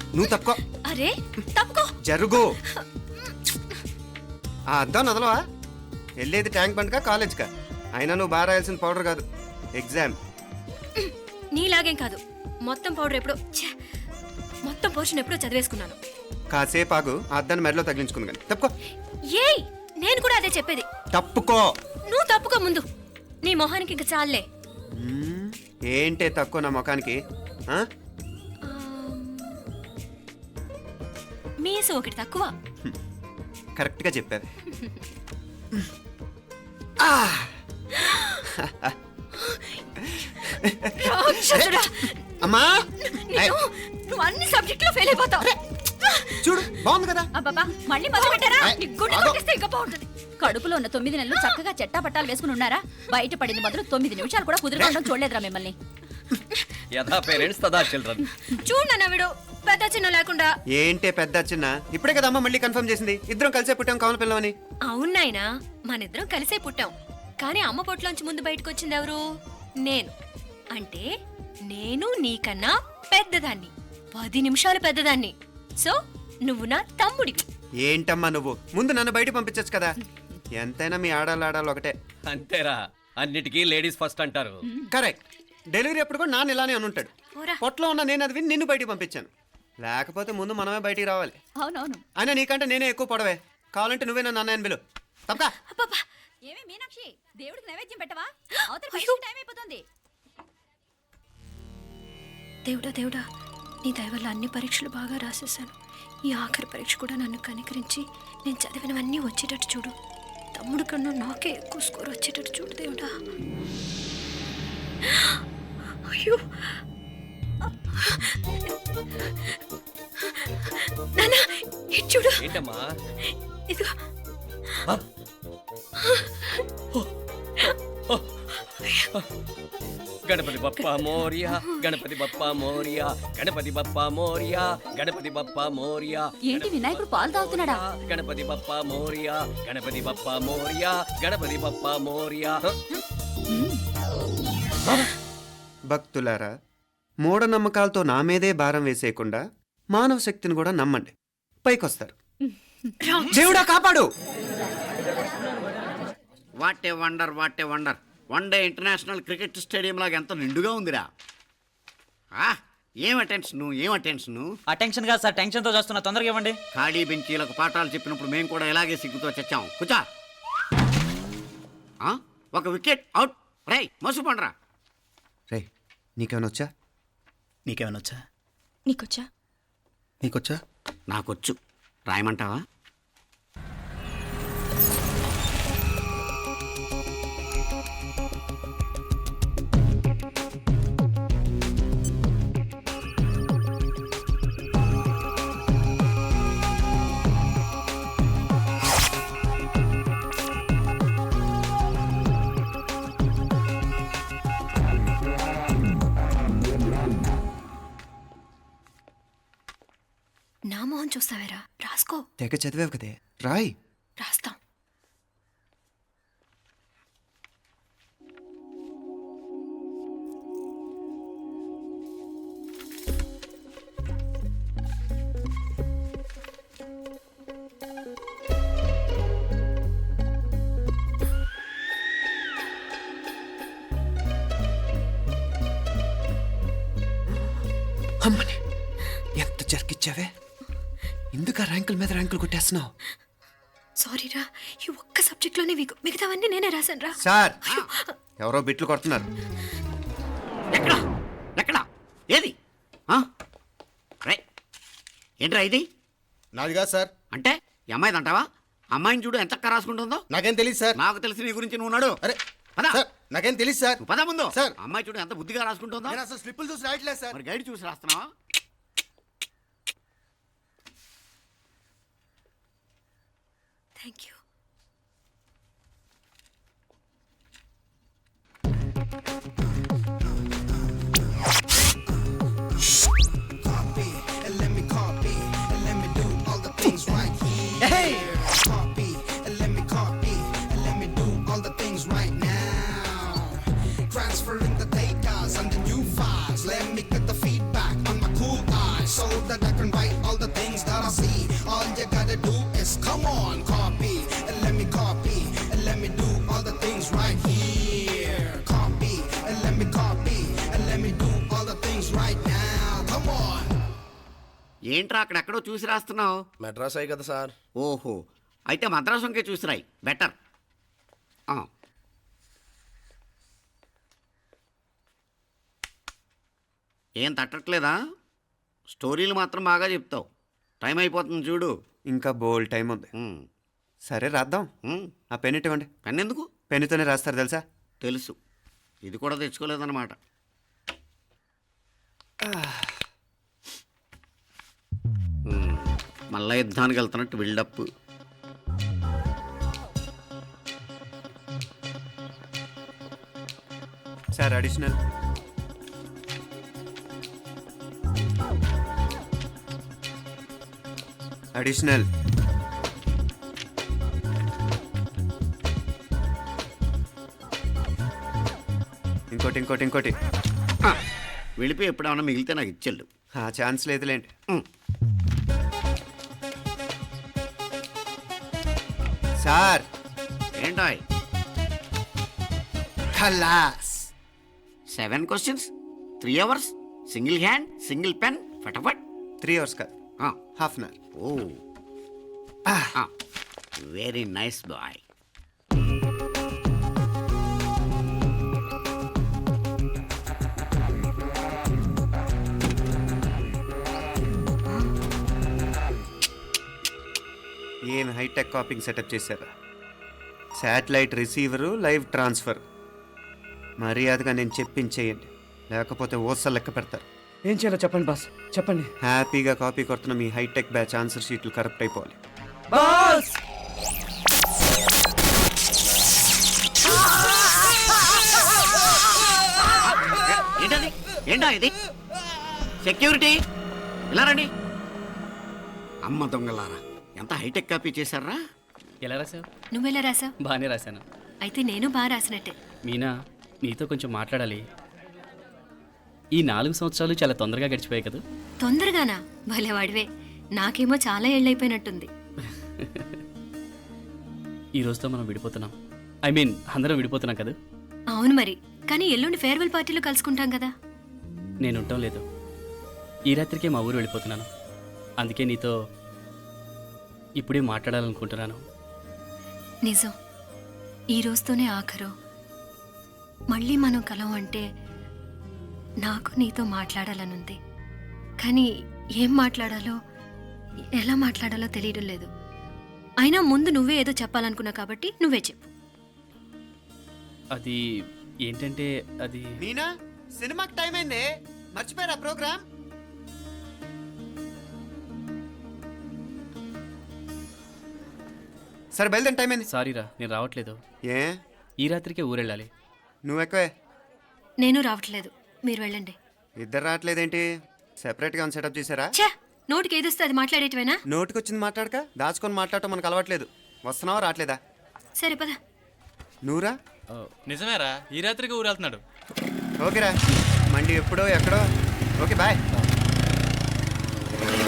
నువ్వు తప్పుకో. అరే తప్పుకో. జరుగు. ఆ అద్దం నదలవా? వెళ్ళేది ట్యాంక్ బండ్కా కాలేజ్కా? అయినా నువ్వు బాగా రాయాల్సిన పౌడర్ కాదు, ఎగ్జామ్. నీలాగేం కాదు, మొత్తం పౌడర్ ఎప్పుడో మొత్తం పోర్షన్ ఎప్పుడో చదివేసుకున్నాను. కాసేపు ఆగు, ఆ అద్దాన్ని మెడలో తగిలించుకుంది కానీ. తప్పుకో. ఏయ్ నేను కూడా అదే చెప్పేది. తప్పుకో. నువ్వు తప్పుకో ముందు. నీ మొహానికి ఇంక చాలే. ఏంటే తక్కువ నా ముఖానికి? మీసు ఒకటి తక్కువ. కరెక్ట్గా చెప్పావు. అమ్మా నువ్వు అన్ని సబ్జెక్టులో ఫెయిల్ అయిపోతావు. చూడు బాగుంది కదా. అబ్బబ్బా మళ్ళీ మొదలు పెట్టారా? నీ గుండె కొట్టేస్తే ఇంకా బాగుంటుంది. కడుపులో ఉన్న 9 నెలలు చక్కగా చెట్టా పట్టాలు వేసుకుని ఉన్నారా? బయట పడింది మొదలు 9 నిమిషాలు కూడా కుదురుకోవడం చూడలేదురా మిమ్మల్ని. యథా పేరెంట్స్ తదా చిల్డ్రన్. చూడు నాన్న వీడు పెద్ద చిన్న లేకుండా. ఏంటే పెద్ద చిన్న? ఇప్పుడే కదా అమ్మ మళ్ళీ కన్ఫర్మ్ చేసింది ఇద్దరం కలిసే పుట్టాం కావాలి పిల్లవని. అవునాయినా, మనిద్దరం కలిసే పుట్టాం. కానీ అమ్మ పొట్లోంచి ముందు బయటకు వచ్చింది ఎవరు? నేను. అంటే నేను నీకన్నా పెద్దదాన్ని, 10 నిమిషాలు పెద్దదాన్ని. సో నువ్వు నా తమ్ముడివి. ఏంటమ్మా నువ్వు? ముందు నన్ను బయట పంపించచ్చు కదా. ఎంతైనా మీ ఆడాలు ఒకటే. అంతేరా, అన్నిటికీ లేడీస్ ఫస్ట్ అంటారు. కరెక్ట్. డెలివరీ అప్పుడు కూడా నాన్న ఇలానే అనుంటాడు. పొట్లో ఉన్న నేను అది విని నిన్ను బయటికి పంపించాను. లేకపోతే ముందు మనమే బయటికి రావాలి. అవునవును. అయినా నీకంటే నేనే ఎక్కువ పొడవే. కావాలంటే నువ్వే నన్ను అన్నయ్యను పిలు. తప్పకా. ఏమే మీనాక్షి, దేవుడికి నైవేద్యం పెట్టవా? అవతల పరీక్ష టైం అయిపోతుంది. దేవుడా దేవుడా, నీ దయ వల్ల అన్ని పరీక్షలు బాగా రాసేసాను. ఈ ఆఖరి పరీక్ష కూడా నన్ను కనికరించి నేను చదివినవన్నీ వచ్చేటట్టు చూడు. తమ్ముడు కన్నా నాకే ఎక్కువ స్కోర్ వచ్చేటట్టు చూడు దేవుడా. అయ్యో నాన్న, ఇటు చూడు. ఏంటమ్మా? ఇదిగో. గణపతి బప్పా మోరియా, గణపతి బప్పా మోరియా, గణపతి బప్పా మోరియా, గణపతి బప్పా మోరియా. ఏంటి వినాయకుడు పాలు తాగుతున్నాడా? గణపతి బప్పా మోరియా, గణపతి బప్పా మోరియా, గణపతి బప్పా మోరియా. భక్తులారా, మూఢనమ్మకాలతో నా మీదే భారం వేసేయకుండా మానవ శక్తిని కూడా నమ్మండి, పైకొస్తారు. దేవుడా కాపాడు. What a wonder, what a wonder. One day international cricket stadium లాగా ఎంత నిండుగా ఉందిరా. ఏం అటెన్షన్, ఏం అటెన్షన్. అటెన్షన్ కాదు సార్, టెన్షన్ తో చూస్తున్నా, తొందరగా ఇవ్వండి. ఖాళీ బెంచీలకు పాఠాలు చెప్పినప్పుడు మేము కూడా ఇలాగే సిగ్గుతో చచ్చాం. కూర్చో. ఒక వికెట్ అవుట్. రై మసు పండరా. రే నీకేమైనా వచ్చా? నీకేమైనా వచ్చా? నీకొచ్చా? నీకొచ్చా? నాకొచ్చు. రాయమంటావా? నా మొహం చూస్తావేరా? రాసుకో. తెగ చదివావు కదే, రాయ్. రాస్తాం. అమ్మని ఎంత జరికిచ్చావే. ఎందుకు ర్యాంకుల మీద ర్యాంకులు కొట్టేస్తున్నావు? సారీరా, ఈ ఒక్క సబ్జెక్ట్లోనే మిగతావన్నీ నేనే రాశాను రా. సార్, ఎవరో బిట్లు కొడుతున్నారు. ఎక్కడ ఎక్కడ ఏది? ఏంట్రా ఇది? నాది కాదు సార్. అంటే ఈ అమ్మాయిది అంటావా? అమ్మాయిని చూడు ఎంత రాసుకుంటుందో. నాకేం తెలియదు సార్. నాకు తెలిసి నీ గురించి నువ్వు నాడు. అరే పదా. సార్, నాకేం తెలియదు సార్. పద ముందు. సార్, అమ్మాయి చూడు ఎంత బుద్ధిగా రాసుకుంటుందో. నేను అసలు స్లిప్పులు చూసి రాయట్లేదు సార్. మరి గైడ్ చూసి రాస్తున్నావా? Thank you. Transferring the data and the new files. Let me get the feedback on my cool eyes so that I can write ఏంట్రా అక్కడెక్కడో చూసి రాస్తున్నావు? మెడ్రాస్ అయ్యి కదా సార్. ఓహో, అయితే మద్రాసు వంకే చూసి రాయి, బెటర్. ఏం తట్టట్లేదా? స్టోరీలు మాత్రం బాగా చెప్తావు. టైం అయిపోతుంది చూడు. ఇంకా బోల్ టైం ఉంది. సరే రాద్దాం. ఆ పెన్ ఇవ్వండి. పెన్ ఎందుకు? పెన్నుతోనే రాస్తారు తెలుసా? తెలుసు. ఇది కూడా తెచ్చుకోలేదన్నమాట. మళ్ళా యుద్ధానికి వెళ్తున్నట్టు బిల్డప్. Sir additional. అడిషనల్. ఇంకోటి ఇంకోటి ఇంకోటి. వెళ్ళిపోయి ఎప్పుడేమన్నా మిగిలితే నాకు ఇచ్చెళ్ళు. ఆ ఛాన్స్ లేదులేండి. సార్ ఏంటాయ్? ఖలాస్. 7 questions, 3 hours, single hand, single pen, ఫటాఫట్. 3 hours కాదు, half an hour. Oh, very nice boy. ఏం హైటెక్ కాపింగ్ సెటప్ చేశారా? Satellite receiver, live transfer. మర్యాదగా నేను చెప్పించేయండి, లేకపోతే ఓసలు లెక్క పెడతారు. ఏం చేయాలో చెప్పండి బాస్, చెప్పండి. హ్యాపీగా కాపీ కొడుతున్న మీ హైటెక్ బ్యాచ్ ఆన్సర్ షీట్లు కరెక్ట్ అయిపోవాలి. బాస్ ఏంటది? ఏంటా ఇది? సెక్యూరిటీ ఇలా రండి. అమ్మ దొంగలారా, ఎంత హైటెక్ కాపీ చేశారా? ఎలా రాసావు? నువ్వెలా రాసావు? బాగానే రాశాను. అయితే నేను బాగా రాసినట్టే. మీనా, నీతో కొంచెం మాట్లాడాలి. ఈ 4 సంవత్సరాలు చాలా తొందరగా గడిచిపోయాయి కదా. తొందరగానా? భలేవాడివే. నాకేమో చాలా ఏళ్ళైపోయినట్టుంది. ఈ రోజుతో మనం విడిపోతున్నాం. ఐ మీన్ అందరం విడిపోతున్నాం కదా. అవును మరి, కానీ ఎల్లుండి ఫేర్వెల్ పార్టీలో కలుసుకుంటాం కదా. నేను ఉండటం లేదు. ఈ రాత్రికే మా ఊరు వెళ్ళిపోతున్నాను. అందుకే నీతో ఇప్పుడే మాట్లాడాలనుకుంటున్నాను. నిజం, ఈ రోజుతోనే ఆఖరు. మళ్ళీ మనం కలం అంటే నాకు నీతో మాట్లాడాలనుంది. కానీ ఏం మాట్లాడాలో, ఎలా మాట్లాడాలో తెలియడం లేదు. అయినా ముందు నువ్వే ఏదో చెప్పాలనుకున్నా కాబట్టి నువ్వే చెప్పు. అది ఏంటంటే అది మీనా, సినిమాకి టైం అయింది, మర్చిపోయారా ప్రోగ్రామ్? సరే బయలుదేరి, టైం అయింది. సారీరా, నేను రావట్లేదు. ఏ? ఈ రాత్రికే ఊరెళ్ళాలి. నువ్వు ఎక్కువే. నేను రావట్లేదు, మీరు వెళ్ళండి. ఇద్దరు రావట్లేదేంటి? సెపరేట్గా సెటప్ చేశారా? ఛే, నోటికి ఏదొస్తే అది మాట్లాడేటివేనా? నోటికొచ్చింది మాట్లాడక దాచుకొని మాట్లాడటం మనకు అలవాట్లేదు. వస్తున్నావా రావట్లేదా? సరే పద. నువ్వురా. నిజమేరా, ఈ రాత్రికి ఊరు వెళ్తున్నాడు. ఓకేరా, మండి ఎప్పుడో ఎక్కడో. Okay bye.